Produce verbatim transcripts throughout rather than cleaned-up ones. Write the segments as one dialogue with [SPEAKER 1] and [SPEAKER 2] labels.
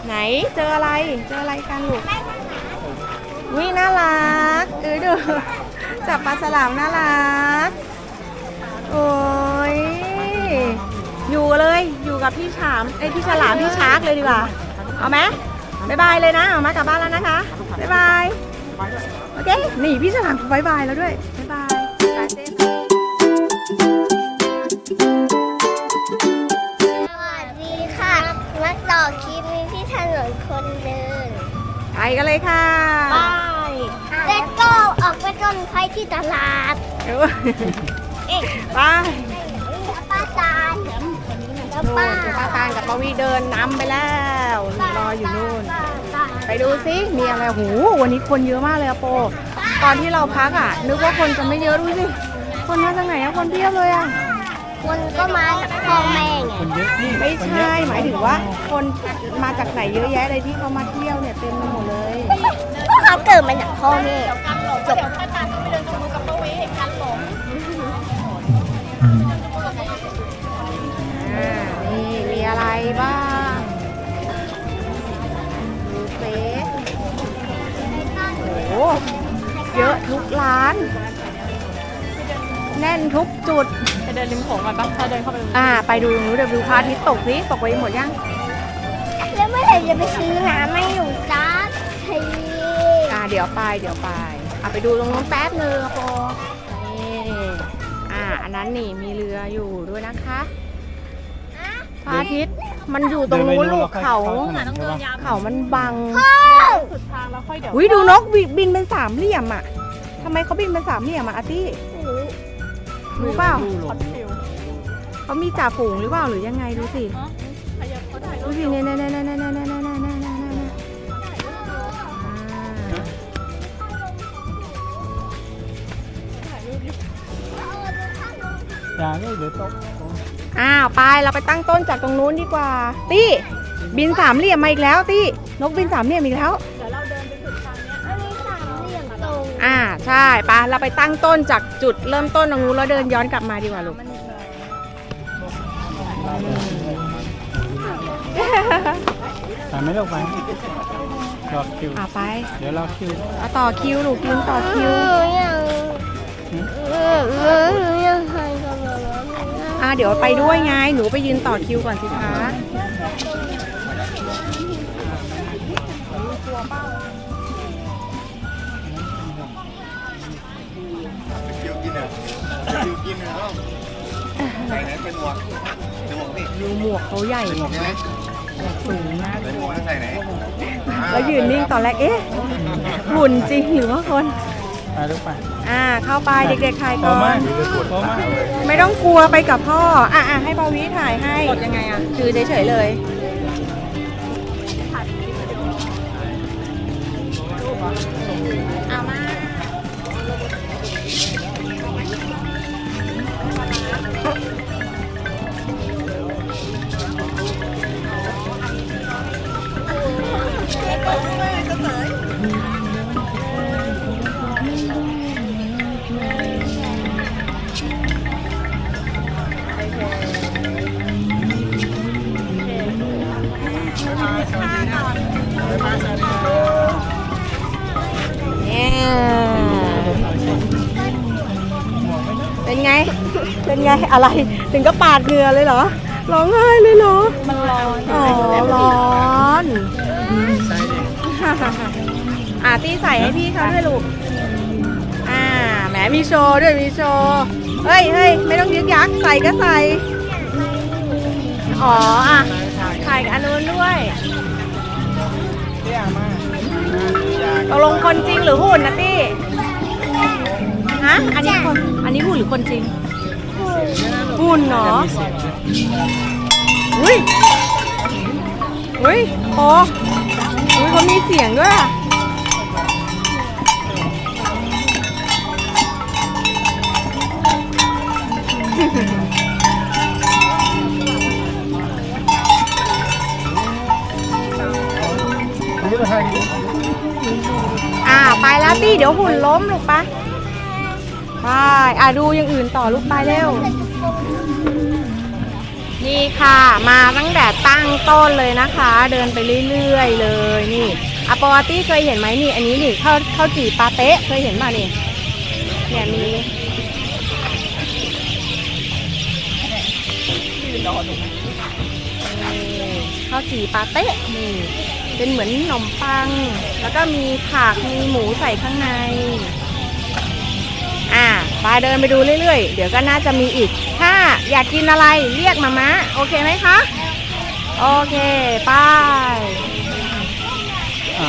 [SPEAKER 1] ไหนเจออะไรเจออะไรกันลูกวิน่ารักเออดูจับปลาฉลามน่ารักโอ้ยอยู่เลยอยู่กับพี่ฉามไอพี่ฉลามพี่ชาร์กเลยดีกว่าเอาไหมบ๊ายบายเลยนะเอามากลับบ้านแล้วนะคะบ๊ายบายโอเคนี่พี่ฉลามบ๊ายบายแล้วด้วยบ๊ายบายสวัส
[SPEAKER 2] ดีค่ะมาต่อคลิปนี้ที่ถนนคนเดิน
[SPEAKER 1] ไปกันเลยค่ะ
[SPEAKER 2] ไปเด็กก็ออกไปต้นไผ่ที่ตลาดเอ๊ะ
[SPEAKER 1] ไป
[SPEAKER 2] ป้าตาล
[SPEAKER 1] แล้วป้าป้าตาลกับป้าวีเดินนำไปแล้วรออยู่นู่นไปดูซิมีอะไรโหวันนี้คนเยอะมากเลยอะโปตอนที่เราพักอะนึกว่าคนจะไม่เยอะดูสิคนมาจากไหนอะคนเพียบเลยอะ
[SPEAKER 2] คนก็มาจากพ่อแม่ไง
[SPEAKER 1] ไม่ใช่หมายถึงว่าคนมาจากไหนเยอะแยะเลยที่เขามาเที่ยวเนี่ยเต็มไปหมดเลย
[SPEAKER 2] ก็เขาเกิดมาจากพ่อแม่จบ
[SPEAKER 1] นี่มีอะไรบ้างดูเฟซโอ้เยอะทุกร้านแน่นทุกจุด
[SPEAKER 3] จะเดินริมโขงก่อนปะถ้าเดินเข้าไป
[SPEAKER 1] อ่าไปดูตรงนู้นเดี๋ยวดูพระอาทิตย์ตกสิตกไปหมดยัง
[SPEAKER 2] แล้วเมื่อไหร่จะไปซื้อน้ำไม่หนูจ้าที
[SPEAKER 1] อ่าเดี๋ยวไปเดี๋ยวไปอ่ะไปดูตรงนู้นแป๊บนึงพอนี่อ่าอันนั้นนี่มีเรืออยู่ด้วยนะคะพระอาทิตย์มันอยู่ตรงนู้นลูกเขาเขามันบัง
[SPEAKER 3] สุดทางแล้วค่อยเดี๋ยว
[SPEAKER 1] อุ้ยดูนกบินเป็นสามเหลี่ยมอ่ะทำไมเขาบินเป็นสามเหลี่ยมอ่ะอาร์ตี้รู้เปล่าเขามีจ่าฝูงหรือเปล่าหรือยังไงดูสิดูสิเนี่ยเนี่ยเนี่ยเนี่ยเนี่ยเนี่ยเนี่ยเนี่ยเนี่ย
[SPEAKER 4] อย่าเลยเดี๋ยวตก
[SPEAKER 1] อ้าวไปเราไปตั้งต้นจากตรงนู้นดีกว่าตี้บินสามเหลี่ยมมาอีกแล้วตี้นกบินสามเหลี่ยมอีกแล้ว
[SPEAKER 3] เดี๋ยวเราเดินไปสุดทางเนี้ย
[SPEAKER 2] อันนี้สามเหลี่ยมตรง
[SPEAKER 1] อ่าใช่ปะเราไปตั้งต้นจากจุดเริ่มต้นตรงนู้นแล้วเดินย้อนกลับมาดีกว่าลูก
[SPEAKER 4] ไปไม่ลงไปรอคิว
[SPEAKER 1] อ่าไป
[SPEAKER 4] เดี๋ยวเราคิว
[SPEAKER 1] เอาต่อคิวลูกยืนต่อคิวอ่าเดี๋ยวไปด้วยไงหนูไปยืนต่อคิวก่อนสิคะ
[SPEAKER 5] คิวกินอ่ะคิวกินอ่ะใส่ไหนเป็นหมวกเป็นหมวกนี่
[SPEAKER 1] ดูหมวกเขาใหญ่
[SPEAKER 5] เป็นหมวกใช่ไหม
[SPEAKER 1] สูงมาก
[SPEAKER 5] ใส่หมวกใส่ไหน
[SPEAKER 1] แล้วยืนนิ่งตอนแรกเอ๊ะหุ่นจริงหรือว่าคน
[SPEAKER 4] ไปลูกไป
[SPEAKER 1] อ่าเข้าไปเด็กๆถ่ายก่อนไม่ต้องกลัวไปกับพ่ออ่ะอ่ะให้ปาวิถ่ายให้กดยังไงอ่ะคือเฉยๆเลยเอามาเป็นไงเป็นไงอะไรถึงก็ปาดเหงื่อเลยเหรอร้องไห้เลยเหรอ
[SPEAKER 3] มันร้อน
[SPEAKER 1] อ๋อร้อนอ่ะตี้ใส่ให้พี่เขาด้วยลูกอ่าแหมมีโชว์ด้วยมีโชว์เฮ้ยเฮ้ยไม่ต้องยึกยักใส่ก็ใส่อ๋ออ่ะถ่ายอันนู้นด้วยตกลงคนจริงหรือหุ่นนะตี้ฮะอันนี้คนอันนี้หุ่นหรือคนจริงหุ่นเนาะอุ้ยอุ้ยโอ้อุ้ยเขามีเสียงด้วยอ่าไปแล้วตี้เดี๋ยวหุ่นล้มลูกปะไปอ่ะดูอย่างอื่นต่อลูกไปเร็วนี่ค่ะมาตั้งแต่ตั้งต้นเลยนะคะ เดินไปเรื่อยๆเลยนี่อะปอตี้เคยเห็นไหมนี่อันนี้นี่ข้าวข้าวจี่ปาเต๊ะเคยเห็นป่ะนี่เนี่ยมีข้าวจี่ปาเต๊ะนี่เป็นเหมือนขนมปังแล้วก็มีผักมีหมูใส่ข้างในอ่าไปเดินไปดูเรื่อยๆเดี๋ยวก็น่าจะมีอีกถ้าอยากกินอะไรเรียกมามะโอเคไหมคะโอเคไป
[SPEAKER 4] อ่า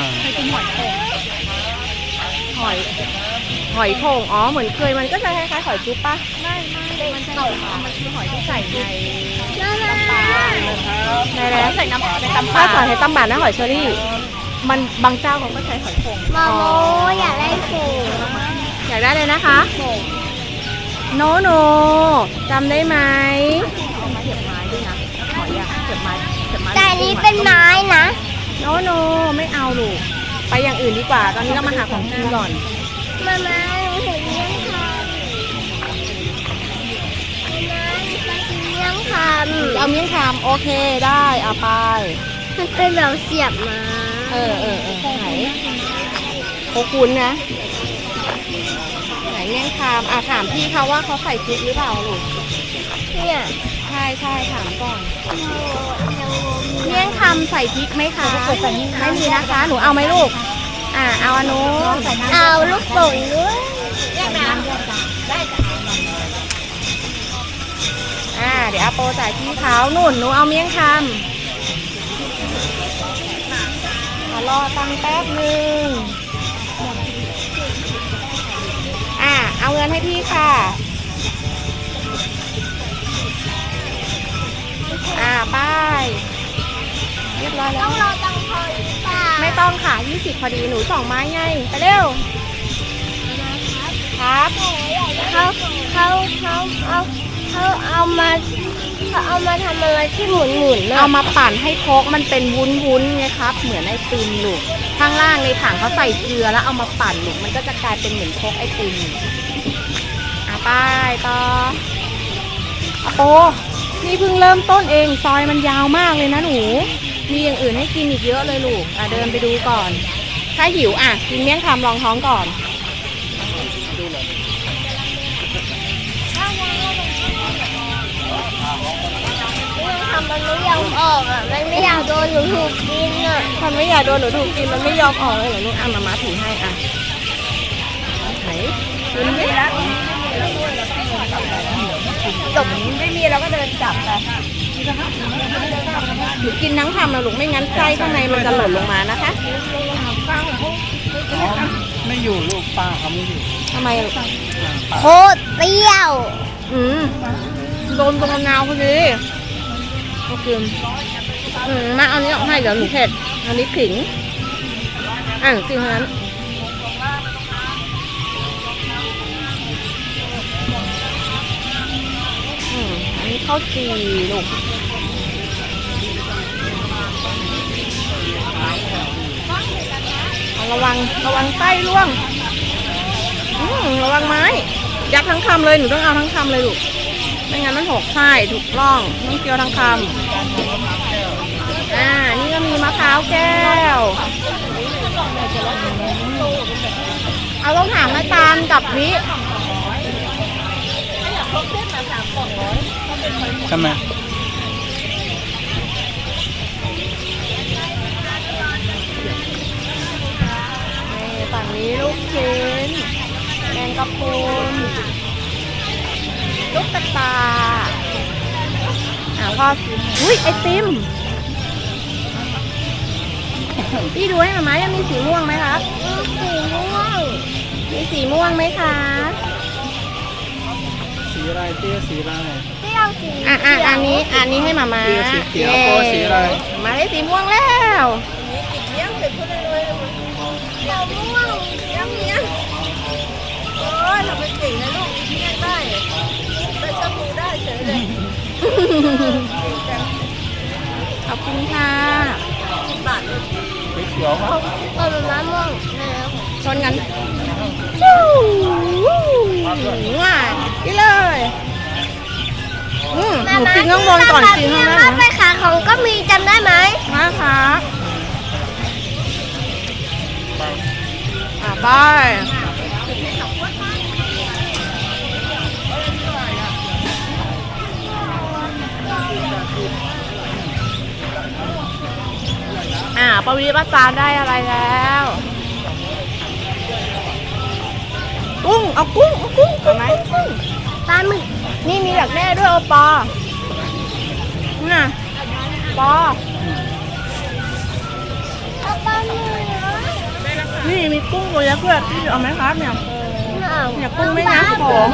[SPEAKER 1] หอยหอยโข่งอ๋อเหมือนเคยมันก็จะคล้ายๆหอยจุ๊บปะไม่ไม่มันใช่มันคือหอยที่ใส่ใน
[SPEAKER 2] น่ารัก
[SPEAKER 1] ในแล้วใส่น้ำในตำปลาใส่ตำบานนะหอยเชอรี่มันบางเจ้าเขาก็ใช้หอยโข่ง
[SPEAKER 2] มาโมอยากได้ฝูง
[SPEAKER 1] อยากได้เลยนะคะโนโนจำได้ไหมเก็บไม้ด้วยนะหอยอะเก็บไม้เก็บไม้
[SPEAKER 2] แต่อันนี้เป็นไม้นะ
[SPEAKER 1] โนโนไม่เอาลูกไปอย่างอื่นดีกว่าตอนนี้เรามาหาของกินก่อน
[SPEAKER 2] มามาหนูเห็นเลี้ยงคำมาเลี้ยงคำ
[SPEAKER 1] เอาเมี่ยงคำโอเคได้เอาไป
[SPEAKER 2] มันเป็นแบบเสียบมา
[SPEAKER 1] เออเออเออไหนโคคุณนะไหนเมี่ยงคำอ่ะถามพี่เขาว่าเขาใส่พริกหรือเปล่าลูก
[SPEAKER 2] เนี่ย
[SPEAKER 1] ใช่ใช่ถามก่อนเมี่ยงคำใส่พริกไหมคะไม่มีนะคะหนูเอาไหมลูกอ่ะเอาอันนู้น
[SPEAKER 2] เอาลูกโป่งด้วยแยกน้
[SPEAKER 1] อ่าเดี๋ยวอาโปจ่ายพี่เขาหนุ่นหนูเอาเมี่ยงคำมารอตังค์แป๊บนึงอ่าเอาเงินให้พี่ค่ะอ่าไปเรียบร้อย
[SPEAKER 2] ำ
[SPEAKER 1] แล้
[SPEAKER 2] ต้อ
[SPEAKER 1] ว
[SPEAKER 2] งรอตังค์พอหรือเปล่า
[SPEAKER 1] ไม่ต้องค่ะยี่สิบพอดีหนูสองไม้ไงไปเร็วครับ
[SPEAKER 2] เขาเขาเขาเอาเขาเอามาเขาเอามาทำอะไรที่หมุนหมุนๆ
[SPEAKER 1] เอา
[SPEAKER 2] น่ะ
[SPEAKER 1] มาปั่นให้โคกมันเป็นวุ้นวุ้นๆไงครับเหมือนไอติมลูกข้างล่างในถังเขาใส่เกลือแล้วเอามาปั่นลูกมันก็จะกลายเป็นเหมือนโคกไอติมอ่ะไปต่ออะโปนี่เพิ่งเริ่มต้นเองซอยมันยาวมากเลยนะหนูมีอย่างอื่นให้กินอีกเยอะเลยลูกอ่ะเดินไปดูก่อนถ้าหิวอ่ะกินเมี่ยงคำรองท้องก่อน
[SPEAKER 2] มันทำมันไม่ยอมออกอ่ะมันไม่อยากโดนหนูถูกกินอ่ะ
[SPEAKER 1] มันไม่อยากโดนหนูถูกกินมันไม่ยอมออกเลยเหรอลูกอ่ะมาม่าถือให้อ่ะไหนกินไหมจบไม่มีเราก็เดินจับไปหนูกินทั้งคำนะลูกไม่งั้นไส้ข้างในมันจะหล่นลงมานะคะ
[SPEAKER 4] อ๋อไม่อยู่ลูกป้าเขาไม่อยู่
[SPEAKER 1] ทำไมลูก
[SPEAKER 2] โคตรเปรี้ยว
[SPEAKER 1] อืมโดนตรงมะนาวพอดีโอเคอืมมาเอานี้ออกให้เดี๋ยวหนูเผ็ดอันนี้ขิงอ่ะจริงเท่านั้นอืมอันนี้ข้าวจี่ลูกระวังระวังไส้ร่วงอืมระวังไม้ยัดทั้งคำเลยหนูต้องเอาทั้งคำเลยลูกไม่งั้นมันหกไส้ถูกร่องต้องเคี้ยวทั้งคำอ่านี่ก็มีมะพร้าวแก้วเอาต้องถามอาจารย์กับวิ
[SPEAKER 4] ใช่ไหม
[SPEAKER 1] นี่ฝั่งนี้ลูกชิ้นแมงกะพรุนลูกตาตาอ่าพ่ออุ้ยไอติมพี่ดูให้หน่อยไหมยังมีสีม่วงไหมครับ
[SPEAKER 2] สีม่วง
[SPEAKER 1] มีสีม่วงไหมคะ
[SPEAKER 4] สีอะไรเตี้ยสีอะไร
[SPEAKER 2] เปรี้ยวสี
[SPEAKER 1] อ่ะอ่ะอันนี้อันนี้ให้มามา
[SPEAKER 4] เตี้ยสีเขียว
[SPEAKER 1] ย้
[SPEAKER 4] โปสีอะไร
[SPEAKER 1] มาได้สีม่วงแล้ว
[SPEAKER 2] เปรี้ยวม่วงเปรี้ยวเมี้ยง
[SPEAKER 1] โอ้ยเราเป็นสีนะลูกเมี่ยงได้เป็นชมูได้เฉยเลยขอบคุณค่ะ
[SPEAKER 4] สีเขียวครับ
[SPEAKER 2] เออมะม่วงแล้ว
[SPEAKER 1] ชนกันจู้ว้าไปเลยอืมหนูกินข้างบนก่อนกินข้างล่าง
[SPEAKER 2] มาไป
[SPEAKER 1] นะ
[SPEAKER 2] ขาของก็มีจำได้ไหม
[SPEAKER 1] มาค่ะอ่ะไปอ่าปวีป้าจานได้อะไรแล้ว กุ้ง เอากุ้ง เอากุ้งเอาไหมกุ้ง
[SPEAKER 2] ปลาหมึก
[SPEAKER 1] นี่มีอยากแม่ด้วยโอปอนี่นะปอ
[SPEAKER 2] เอาปลาหมึก
[SPEAKER 1] นี่มีกุ้งตัวยักษ์ด้วยพี่เอาไหมครับเนี่ย
[SPEAKER 2] เอา
[SPEAKER 1] เนี่ยกุ้งไม่น้ำผม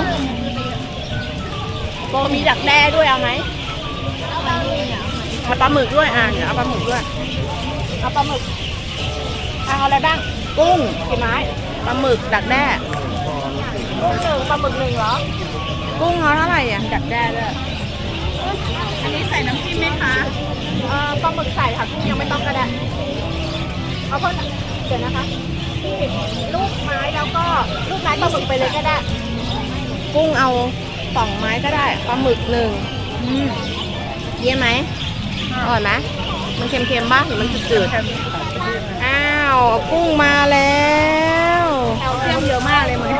[SPEAKER 1] โบมีดักแด้ด้วยเอาไหมเอาปลาหมึกด้วยอ่ะเดี๋ยวเอาปลาหมึกด้วยเอาปลาหมึกเอาอะไรบ้างกุ้งกี่ไม้ปลาหมึกดักแด้กุ้งหนึ่งปลาหมึกหนึ่งเหรอกุ้งเอาเท่าไหร่อ่ะดักแด้ด้วยอันนี้ใส่น้ำจิ้มไหมคะเอ่อปลาหมึกใส่ค่ะกุ้งยังไม่ต้องก็ได้เอาเพิ่มเดี๋ยวนะคะลูกไม้แล้วก็ลูกไม้ปลาหมึกไปเลยก็ได้ กุ้งเอาสองไม้ก็ได้ปลาหมึกหนึ่งเยี่ยมไหมอร่อยไหมมันเค็มๆบ้างหรือมันจืดๆอ้าวกุ้งมาแล้วแคลเซียมเยอะมากเลยมั้ย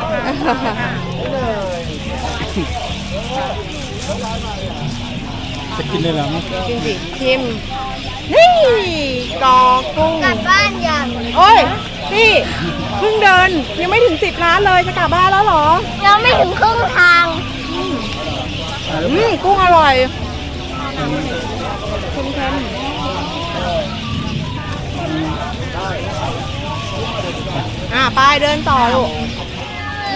[SPEAKER 4] จะกินเลยเหรอมั้ง
[SPEAKER 1] กินสิชิมนี่กอกุ้ง
[SPEAKER 2] กลับบ้านยัง
[SPEAKER 1] โอ้ยพี่เพิ่งเดินยังไม่ถึงสิบล้านเลยจะกลับบ้านแล้วเหรอ
[SPEAKER 2] ยังไม่ถึงครึ่งทาง
[SPEAKER 1] อืมกุ้งอร่อยเค็มๆอ่ะไปเดินต่อลูกไหน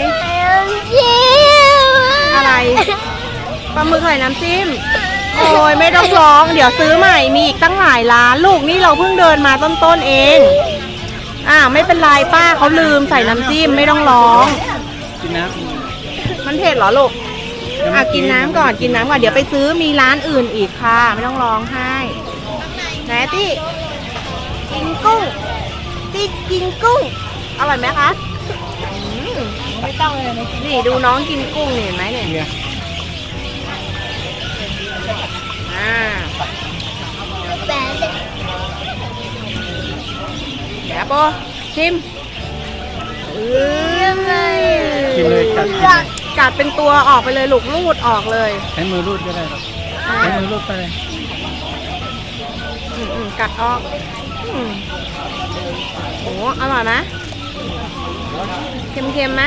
[SPEAKER 1] อะไรปลาหมึกใส่น้ำจิ้มโอ้ยไม่ต้องร้องเดี๋ยวซื้อใหม่มีอีกตั้งหลายร้านลูกนี่เราเพิ่งเดินมาต้นๆเองอ่าไม่เป็นไรป้าเขาลืมใส่น้ำจิ้มไม่ต้องร้อง
[SPEAKER 4] กินน้
[SPEAKER 1] มันเผ็ดเหรอลูก
[SPEAKER 4] ำ
[SPEAKER 1] อ่ะกินน้ำก่อนกินน้ำก่อนเดี๋ยวไปซื้อมีร้านอื่นอีกค่ะไม่ต้องร้องไห้ไหนตี้กินกุ้งตี้กินกุ้งอร่อยไหมคะไม่ต้องเลยนี่ดูน้องกินกุ้งนี่เห็นไหมเนี่ย
[SPEAKER 4] เนี่ย
[SPEAKER 1] อ่า
[SPEAKER 2] แต่
[SPEAKER 1] เดี๋ยวโปชิมเออ
[SPEAKER 4] กินเลยกัดกินเลย
[SPEAKER 1] กัดเป็นตัวออกไปเลยลูกลูดออกเลย
[SPEAKER 4] ใช้มือรูดก็ได้หรอกใช้มือรูดไปเลย
[SPEAKER 1] อืมอืมกัดออกอืมโอ้อร่อยไหมเค็มๆไหม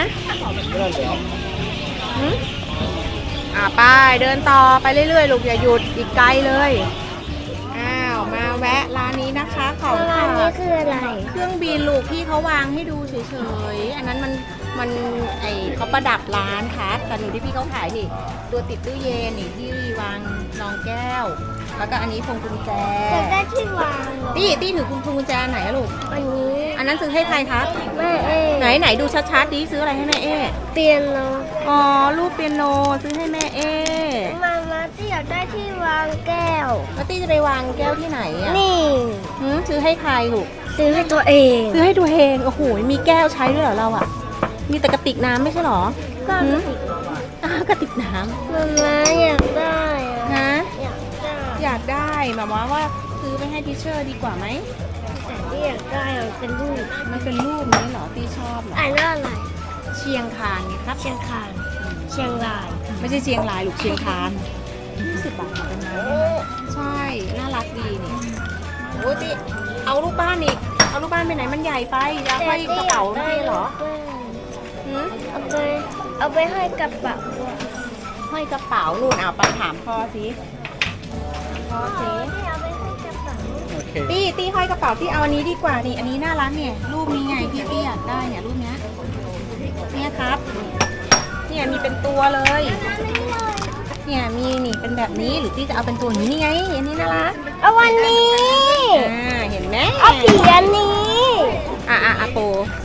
[SPEAKER 1] หืมอ่าไปเดินต่อไปเรื่อยๆลูกอย่าหยุดอีกไกลเลยอ้าวมาแวะร้านนี้นะคะของ
[SPEAKER 2] ร้านนี้คืออะไร
[SPEAKER 1] เครื่องบินลูกพี่เขาวางให้ดูเฉยๆอันนั้นมันมันไอเขาประดับร้านครับแต่หนูที่พี่เขาขายนี่ตัวติดตู้เย็นนี่ที่วางรองแก้ว แล้วก็อันนี้พวงกุญแจ
[SPEAKER 2] จะได้ที่วางเหรอ
[SPEAKER 1] ตี้ตี้ถือพวงกุญแจไหนอะลูก
[SPEAKER 2] อันนี้
[SPEAKER 1] อันนั้นซื้อให้ใครครับ
[SPEAKER 2] แม่เอ๋
[SPEAKER 1] ไหนไหนดูชัดๆดิซื้ออะไรให้แม่เอ๊
[SPEAKER 2] เตียนโน
[SPEAKER 1] อ๋อรูปเปียโนซื้อให้แม่เอ๊
[SPEAKER 2] มามาที่อยากได้ที่วางแก้ว
[SPEAKER 1] แล้วตี้จะไปวางแก้วที่ไหนอะ
[SPEAKER 2] นี่
[SPEAKER 1] หืมซื้อให้ใครลูก
[SPEAKER 2] ซื้อให้ตัวเอง
[SPEAKER 1] ซื้อให้ตัวเองโอ้โหมีแก้วใช้ด้วยเหรอเราอะมีแต่กระติกน้ำไม่ใช่เหรอ
[SPEAKER 2] ก็
[SPEAKER 1] หืมอ้าวกระติกน้
[SPEAKER 2] มามาอยากได้อะ
[SPEAKER 1] ำฮะ
[SPEAKER 2] อยากได้
[SPEAKER 1] อยากได้แบบว่าว่าซื้อไปให้ทีเชอร์ดีกว่าไหม
[SPEAKER 2] แต่ที่อยากได้อะเป็นรูป
[SPEAKER 1] มันเป็นรูปนี้เหรอตีชอบเหรอ
[SPEAKER 2] อ่านว่าอะไร
[SPEAKER 1] เชียงคานไงครับ
[SPEAKER 2] เชียงคานเชียงราย
[SPEAKER 1] ไม่ใช่เชียงรายหรือเชียงคานยี่สิบบาทเป็นไงใช่ น่ารักดีนี่โอ้ติเอารูปบ้านอีก เอารูปบ้านไปไหนมันใหญ่ไปจะห้อยกระเป๋าไม่เหรอหืม
[SPEAKER 2] เอาไปเอาไปให้กระเป๋า
[SPEAKER 1] ห้อยกระเป๋านู่นเอาไปถามพ่อสิพ่อสิ
[SPEAKER 2] ที่เอาไปให้กระเป๋า
[SPEAKER 4] โอเค
[SPEAKER 1] ตี้ตี้ห้อยกระเป๋าที่เอาอันนี้ดีกว่านี่อันนี้น่ารักเนี่ยรูปนี้ไงพี่ตี้อยากได้เนี่ยรูปเนี้ยเนี่ยครับ เนี่ยมีเป็นตัวเลย เนี่ยมีนี่เป็นแบบนี้หรือที่จะเอาเป็นตัวนี้นี่ไงอันนี้น่ารัก
[SPEAKER 2] เอาวันนี้
[SPEAKER 1] อ่าเห็นไหม
[SPEAKER 2] เอาผีอันนี้
[SPEAKER 1] อ่ะอ่ะอ่ะโป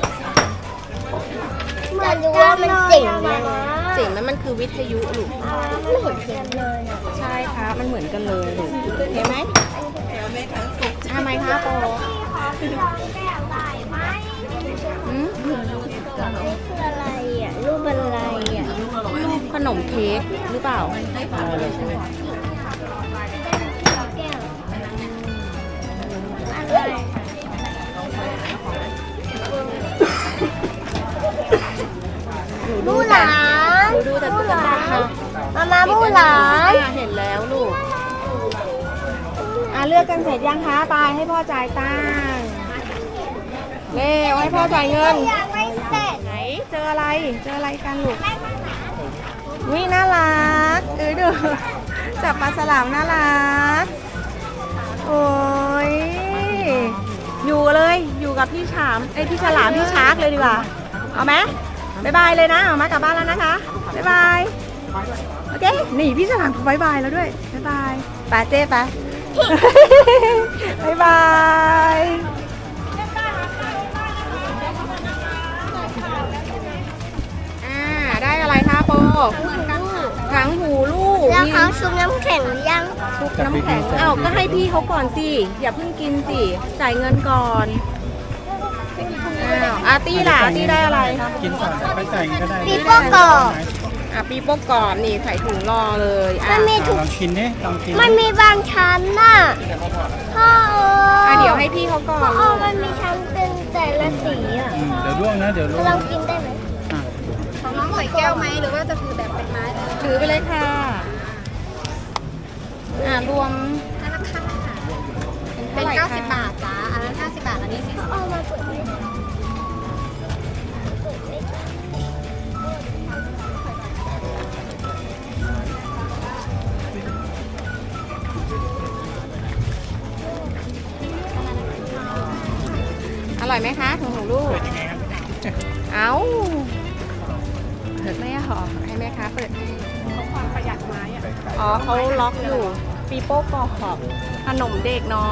[SPEAKER 2] จะดูว่ามันเจ๋งไหม
[SPEAKER 1] เจ๋งไหมมันคือวิทยุลูก
[SPEAKER 2] ไม่เห็นเจ๋งเลยอะ
[SPEAKER 1] ใช่ครับมันเหมือนกันเลยลูกเห็นไหมทำไมคะโปอืม
[SPEAKER 2] นี่คืออะไรอ่ะรูปอะไรอ่ะ
[SPEAKER 1] รูปขนนมเค้กหรือเปล่า
[SPEAKER 2] อะไรบูหลาน
[SPEAKER 1] ดูดูแต่ตุ๊กตา
[SPEAKER 2] มามาบูหลาน
[SPEAKER 1] อ่ะเห็นแล้วลูกอ่ะเลือกกันเสร็จยังคะไปให้พ่อจ่ายตังค์เร็วให้พ่อจ่ายเงิน
[SPEAKER 2] ยังไม่เสร็จ
[SPEAKER 1] ไหนเจออะไรเจออะไรกันลูกวิน่ารักเออดูจับปลาฉลามน่ารักโอ้ยอยู่เลยอยู่กับพี่ฉามไอยพี่ฉลามพี่ชาร์กเลยดีกว่าเอาไหมบ๊ายบายเลยนะเอามากลับบ้านแล้วนะคะบ๊ายบายโอเคนี่พี่ฉลามบ๊ายบายแล้วด้วยบ๊ายบายไปเจ๊ไป บ๊ายบายอ่าได้อะไรคะโปถังหูลูก
[SPEAKER 2] แล้วเขาชุบน้ำแข็งหรือยัง
[SPEAKER 1] ชุบน้ำแข็งอ้าวก็ให้พี่เขาก่อนสิอย่าเพิ่งกินสิจ่ายเงินก่อนอ้าวอาร์ตี้ล่ะอาร์ตี้ได้อะไร
[SPEAKER 4] กินก่อนไปใส่ก็ได้
[SPEAKER 2] ปีโป้กรอบ
[SPEAKER 1] อ่ะปีโป้กรอบนี่ใส่ถุงรอเลยอ่ะ
[SPEAKER 2] มันมี
[SPEAKER 4] อ่ะ
[SPEAKER 2] ถุง
[SPEAKER 4] ลองกินดิลองกิน
[SPEAKER 2] มันมีบางชั้นน่ะพ่อ
[SPEAKER 1] อ่ะเดี๋ยวให้พี่เขาก่อ
[SPEAKER 2] พ่อน เอามันมีชั้นเป็นแต่ละสีอ่ะ
[SPEAKER 4] อืมเดี๋ยวร่วงนะเดี๋ยวร่วง
[SPEAKER 2] เรากินได้ไหม
[SPEAKER 4] อ่ะ
[SPEAKER 3] ของน้องใส่แก้วไหมหรือว่าจะคือแบบเป็นไม้เลย
[SPEAKER 1] ถือไปเลยค่ะอ่ะรวม
[SPEAKER 3] นั่นราคา
[SPEAKER 1] เป็น
[SPEAKER 3] เป็น
[SPEAKER 1] เท่าไหร่คะ
[SPEAKER 3] เก้าสิบบาทจ้าอันนั้นห้าสิบบาท อันนี้สี่สิบ
[SPEAKER 2] เอามาเปิดไม่ได้
[SPEAKER 1] อร่อยไหมคะถุงหูลูก เอาเปิดไม่หรอให้แม่ค้าเปิดให้
[SPEAKER 3] ความประหยัดไม้อะ
[SPEAKER 1] อ๋อเขาล็อกอยู่ปีโป้กรอบขนมเด็กน้อย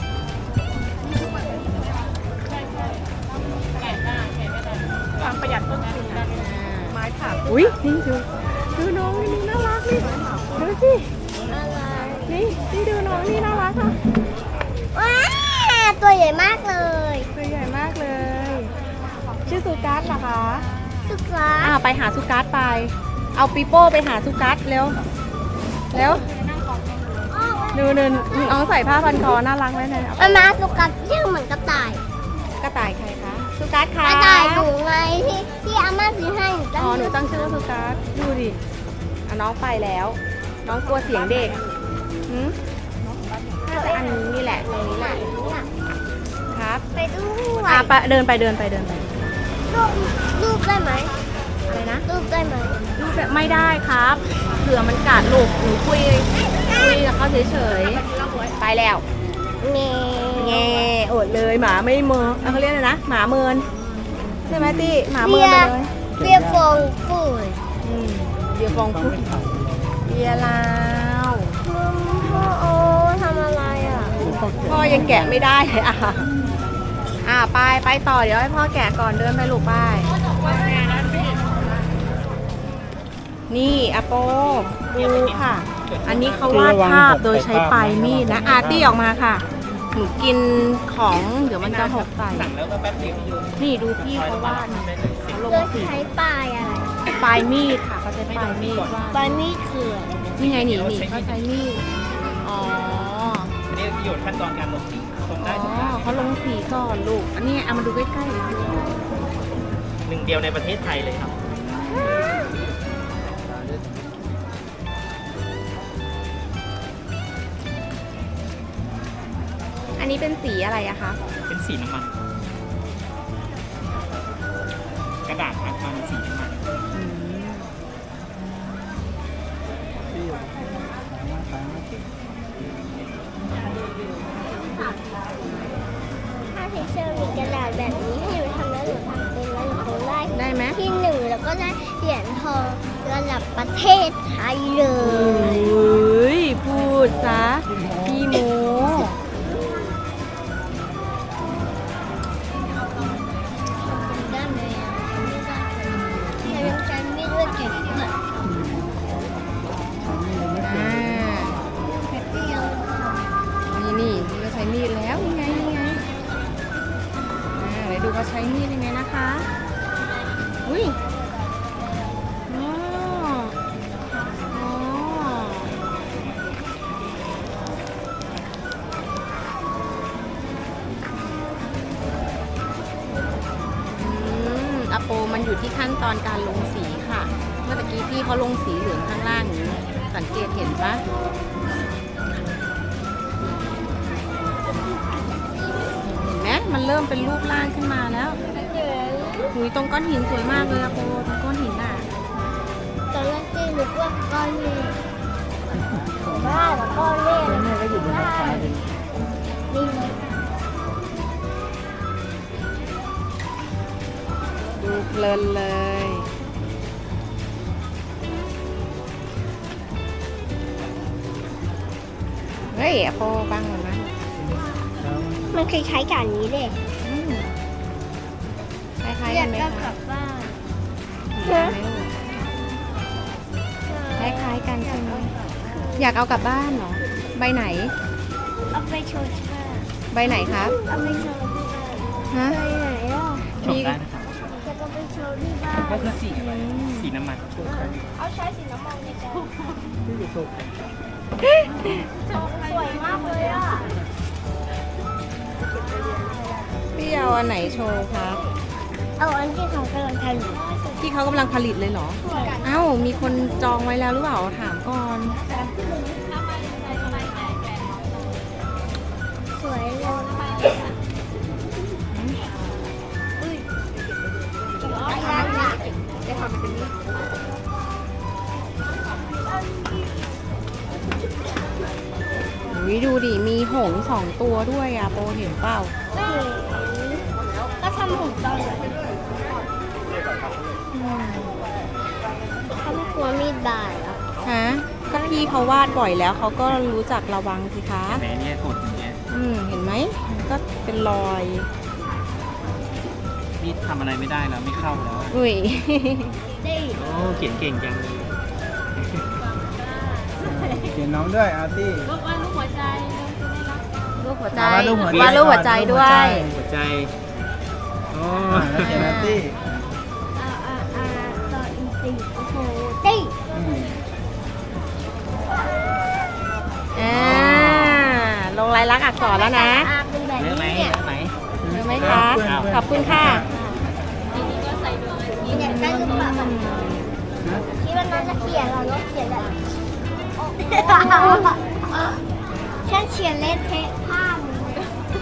[SPEAKER 3] ความประหยัดต้นทุนนะไม้ผ่า
[SPEAKER 1] อุ้ยนี่ดูดูน้องนี่น่ารักนี่ดูสิ
[SPEAKER 2] อะไร
[SPEAKER 1] นี่นี่ดูน้องนี่น่ารักค่ะ
[SPEAKER 2] ว้าตัวใหญ่มากเลย
[SPEAKER 1] ตัวใหญ่มากเลย ชื่อสุกัสเหรอคะ
[SPEAKER 2] สุกร้า
[SPEAKER 1] อ่าไปหาสุกัสไป เอาปีโป้ไปหาสุกัสเร็วเร็วดูนึนน้องใส่ผ้าพันคอน่ารักไหมเนี่ย
[SPEAKER 2] มามาสุกัดเชื่อเหมือนกระต่าย
[SPEAKER 1] กระต่ายใครคะสุกัส
[SPEAKER 2] ก
[SPEAKER 1] ค่ะ
[SPEAKER 2] ระต่ายหนูไงที่ที่อาม่าซื้อให้หนูตั้ง
[SPEAKER 1] อ๋อหนูตั้งชื่อว่าสุกัสดูดิอ่ะน้องไปแล้ว น้องกลัวเสียงเด็กหืมน่าจะอันนี้นี่แหละตรงนี้แหละครับ
[SPEAKER 2] ไปด้วย
[SPEAKER 1] อ่ะไปเดินไปเดินไปเดินไป
[SPEAKER 2] รูปรูปได้ไหม
[SPEAKER 1] อะไรนะ
[SPEAKER 2] รูปได้ไหม
[SPEAKER 1] ลูกแบบไม่ได้ครับเผื่อมันกัดลูกหนูคุยคุยกับเขาเฉยๆไปแล้ว
[SPEAKER 2] เง
[SPEAKER 1] แง่อดเลยหมาไม่เมินเอ้าเขาเรียกอะไรนะหมาเมินใช่ไหมตี้หมาเมิ
[SPEAKER 2] เบี
[SPEAKER 1] น
[SPEAKER 2] ย
[SPEAKER 1] ไป
[SPEAKER 2] ร์
[SPEAKER 1] เลย
[SPEAKER 2] เบียร์ฟองปุ๋ย
[SPEAKER 1] อืมเบียร์ฟองพุดเบียร์ลาว
[SPEAKER 2] มึงพ่อโอ้ทำอะไรอ่ะ
[SPEAKER 1] พ่อยังแกะไม่ได้เลยอ่ะอ่ะไปไปต่อเดี๋ยวให้พ่อแกะก่อนเดินไปลูกไปนี่อาโปดูค่ะ อันนี้เขาวาดภาพโดยใช้ปลายมีดนะอาร์ตี้ออกมาค่ะหนูกินของเดี๋ยวมันจะหกใส่นี่ดูพี่เขาวาดนะเขาลง
[SPEAKER 2] โดย
[SPEAKER 1] สี
[SPEAKER 2] ใช้ปลายอะไร
[SPEAKER 1] ปลายมีดค่ะเขาใช้ปลายมีดวาด
[SPEAKER 2] ปลายมีดคืออะไร
[SPEAKER 1] นี่ไงหนีหนีเขาใช้มีดอ๋อ
[SPEAKER 4] อันนี้อยู่ขั้นตอนการลงสีตรง
[SPEAKER 1] อ๋
[SPEAKER 4] ได้ตรงได้
[SPEAKER 1] อเขาลงสีก่อนลูกอันนี้เอามาดูใกล้ๆ
[SPEAKER 4] หนึ่งเดียวในประเทศไทยเลยครับ
[SPEAKER 1] อันนี้เป็นสีอะไรอะคะ
[SPEAKER 4] เป็นสีน้ำมัน กระดาษอัดมันสีน้ำมัน
[SPEAKER 2] ถ้าทีเชอร์มีกระดาษแบบนี้ให้หนูทำแล้วหนูทำเป็นแล้วหนูคงได้
[SPEAKER 1] ได้ไหม
[SPEAKER 2] ที่หนึ่งแล้วก็ได้เหรียญทองระดับประเทศไทยเล
[SPEAKER 1] เฮ้
[SPEAKER 2] ย
[SPEAKER 1] ยพูดซะพี่โม
[SPEAKER 2] ได้ไหมอ่ะไม่ได้แต่ยังใช้มีดด้วยเก่งด้วย
[SPEAKER 1] อ่า
[SPEAKER 2] แป๊บเดียว
[SPEAKER 1] นี่นี่นี่ก็ใช้มีดแล้วนี่ไงนี่ไงอ่าเดี๋ยวดูเขาใช้มีดยังไงนะคะอุ้ยอ๋อโปมันอยู่ที่ขั้นตอนการลงสีค่ะ เมื่อตะกี้พี่เขาลงสีเหลืองข้างล่างนี้สังเกตเห็นปะเห็นไหมมันเริ่มเป็นรูปร่างขึ้นมาแล้วหุยตรงก้อนหินสวยมากเลยอะโปตรงก้อนหินอะ
[SPEAKER 2] ตอนแรกที่นึกว่าก้อนเมฆบ้าเหรอก้อนเมฆ
[SPEAKER 4] แม่ก็อยู่บนรถไฟเลย
[SPEAKER 2] นี่
[SPEAKER 1] ดูเพลินเลย เฮ้ยอะโปบังมันนะ
[SPEAKER 2] มันคล้ายๆกับอันนี้เลย
[SPEAKER 1] อืมคล้ายๆ
[SPEAKER 2] อ
[SPEAKER 1] กั
[SPEAKER 2] ยาน ก
[SPEAKER 1] ไหม
[SPEAKER 2] ได้ก
[SPEAKER 1] คะ
[SPEAKER 2] ลับบ้าน
[SPEAKER 1] คล้ายๆไหมลูกคล้ายๆกันใช่ไหมอยากเอากลับบ้านเหรอ ใบไหน
[SPEAKER 2] เอาไปโชว์ที่บ้าน
[SPEAKER 1] ใบไหนครับ
[SPEAKER 2] เอาไปโชว์ที่บ้าน
[SPEAKER 1] ฮะ
[SPEAKER 2] ไปไหนอ่ะ
[SPEAKER 4] ชมได้นะครับ
[SPEAKER 2] จะเอาไปโชว์ที่บ้าน
[SPEAKER 4] ก็คือสีอะไรสีน้ำมัน
[SPEAKER 2] เอาใช้สีน้ำมันในการ
[SPEAKER 4] ที่อยู่โซน
[SPEAKER 2] สวยมากเลยอ่ะ
[SPEAKER 1] พี่เอาอันไหนโชว์ครับ
[SPEAKER 2] เอาอันที่เขากำลังทำอยู่
[SPEAKER 1] ที่เขากำลังผลิตเลยเหรอ เอ้า มีคนจองไว้แล้วหรือเปล่า ถามก่อน
[SPEAKER 2] สวยเลยอุ้ยอะไรอ่ะ
[SPEAKER 1] จะทำเป็นนี้อุ้ยดูดิ มีหงส์สองตัวด้วยอะโปเห็นเปล่า
[SPEAKER 2] ก็ทำหุ่นตอนไหน
[SPEAKER 1] อืม
[SPEAKER 2] เขาไม่กลัวมีดบาดเหรอ
[SPEAKER 1] ฮะ ก็พี่เขาวาดบ่อยแล้วเขาก็รู้จักระวังสิคะ
[SPEAKER 4] แม่เนี่ยกดอย่างเงี้ย
[SPEAKER 1] อืม เห็นไหมมันก็เป็นรอย
[SPEAKER 4] นี่ทำอะไรไม่ได้แล้วไม่เข้าแล้ว
[SPEAKER 1] อุ้ย
[SPEAKER 4] โอ้เขียนเก่งจังเลยเขียนน้องด้วยอาร์ตี้
[SPEAKER 1] รูปหัวใจ
[SPEAKER 4] วาดรูปหัวใจ
[SPEAKER 1] วาดรูปหัวใจด้วย
[SPEAKER 4] หัวใจโอ้แล้วเขียนอาร์ตี้
[SPEAKER 2] อ่าอ่าอ่าต่ออีกสี่โอ้โหตี้
[SPEAKER 4] อืม
[SPEAKER 1] อ่า ลงลายลักษณ์อักษรแล้วนะ
[SPEAKER 2] อ่าเป็นแบบ
[SPEAKER 4] เลือกไหม
[SPEAKER 2] นี้เนี่ย
[SPEAKER 4] เลือกไหม
[SPEAKER 1] เห็นไหมคะ ขอบคุณค่ะ
[SPEAKER 2] เนี่ยได้หรือเปล่าคิดว่าน้องจะเขียนเหรอน้องเขียนแบบฉันเขียนเละเทะผ้ามือ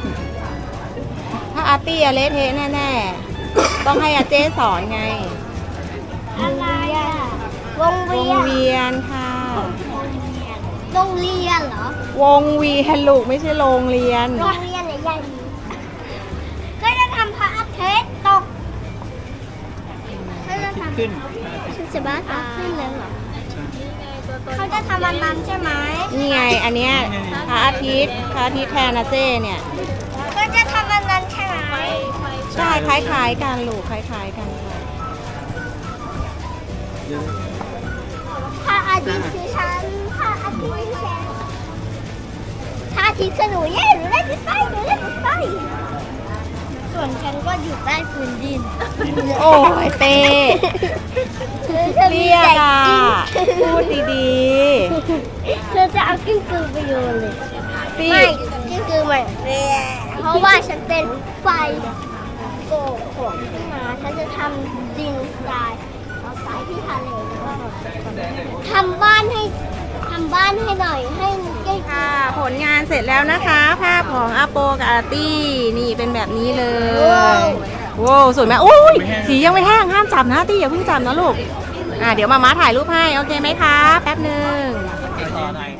[SPEAKER 1] ถ้าอาร์ตี้อะเละเทะแน่ๆ ต้องให้อาเจ้สอนไง
[SPEAKER 2] อะไรอ่ะวง
[SPEAKER 1] ว
[SPEAKER 2] เวี
[SPEAKER 1] ง
[SPEAKER 2] ยน
[SPEAKER 1] เวียนค่ะ
[SPEAKER 2] โรงเรียนเหรอ
[SPEAKER 1] วงเวียนลูกไม่ใช่โรงเรียน
[SPEAKER 2] โรงเรียนใหญ่ๆก็จะทำพระอาทิตย์ตกก็จะทำ
[SPEAKER 4] ขึ้น
[SPEAKER 2] ฉันจะบ้าตายขึ้นเลยเหรอเขาจะทำมันนั้นใช่ไหม
[SPEAKER 1] นี่ไง อันเนี้ยพระอาทิตย์พระอาทิตย์แทนอาเจ้เนี่ย
[SPEAKER 2] ก็จะทำมันนั้นใช่ไหม
[SPEAKER 1] ใช่คล้ายๆกันลูกคล้ายๆกันค่ะ
[SPEAKER 2] พระอาทิตย์คือฉันพระอาทิตย์คือฉันพระอาทิตย์คือหนูเย่หนูเล่นไฟหนูเล่นไฟส่วนฉันก็อยู่ใต้พื้นดิน
[SPEAKER 1] โอ้ยเต้
[SPEAKER 2] คือเธอมี
[SPEAKER 1] เรียก
[SPEAKER 2] แต่
[SPEAKER 1] อ่ะ
[SPEAKER 2] กิ้ง
[SPEAKER 1] พูดดี
[SPEAKER 2] เธอจะเอากิ้งกือไปโยนเลย
[SPEAKER 1] ๆพี่
[SPEAKER 2] ไม่กิ้งกือมันเพราะว่าฉันเป็นไฟโกกของขึ้นมาฉันจะทำดินทรายเอาทรายที่ทะเลแล้วก็ทำบ้านให้ทำบ้านให้หน่อยให้ใกล้
[SPEAKER 1] ค่ะ ผลงานเสร็จแล้วนะคะ ภาพของอาโปกับอาร์ตี้ นี่เป็นแบบนี้เลย โว้วสวยไหมโอ้ยสียังไม่แห้งห้ามจับนะอาร์ตี้อย่าเพิ่งจับนะลูก อ่าเดี๋ยวมาม้าถ่ายรูปให้ โอเคไหมคะ แป๊บหนึ่ง
[SPEAKER 4] ต่อหน่อย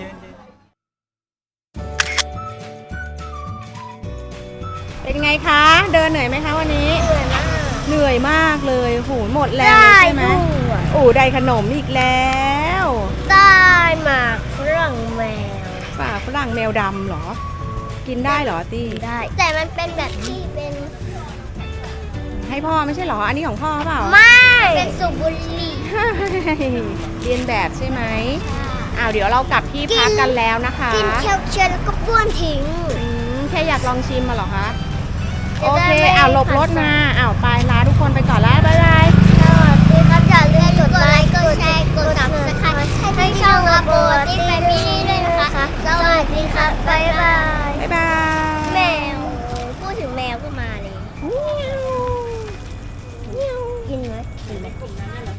[SPEAKER 1] เป็นไงคะ เดินเหนื่อยไหมคะวันนี้
[SPEAKER 2] เหนื่อยมาก
[SPEAKER 1] เหนื่อยมากเลยโหหมดแรงเลยใช่ไหม
[SPEAKER 2] ด้วย
[SPEAKER 1] โอ้ได้ขนมอีกแล้ว
[SPEAKER 2] ได้หมากฝรั่งแมว
[SPEAKER 1] ป่าฝรั่งแมวดำเหรอ กินได้เหรออาร์ตี้
[SPEAKER 2] ได้ แต่มันเป็นแบบที่เป็น
[SPEAKER 1] ให้พ่อไม่ใช่เหรอ อันนี้ของพ่อเปล่า
[SPEAKER 2] ไม่เป็นสุบุหรี่
[SPEAKER 1] เรียนแบบใช่ไหมอ้าวเดี๋ยวเรากลับที่พักกันแล้วนะคะ
[SPEAKER 2] กินเคี้ยวเชียวแล้วก็บ้วนทิ้ง
[SPEAKER 1] อืมแค่อยากลองชิมมาเหรอคะ
[SPEAKER 2] จะ
[SPEAKER 1] โอ
[SPEAKER 2] ได้
[SPEAKER 1] เค
[SPEAKER 2] ไม่
[SPEAKER 1] อ้าวหลบรถมาอ้าวไปลาทุกคนไปก่อนแล้ว บ๊ายบาย
[SPEAKER 2] สวัสดีครับอย่าลืมกดไลค์ กดแชร์ กดซับสไครต์ให้ช่องอาโปที่แฟมิลี่ด้วยนะคะ สวัสดีครับ บ๊ายบาย
[SPEAKER 1] บ๊ายบาย
[SPEAKER 2] แมว พูดถึงแมวก็มาเลย
[SPEAKER 1] เมียวเมียว
[SPEAKER 2] กินไหม
[SPEAKER 3] เห็นไหมกลุ่มนั้นน่ะเหรอ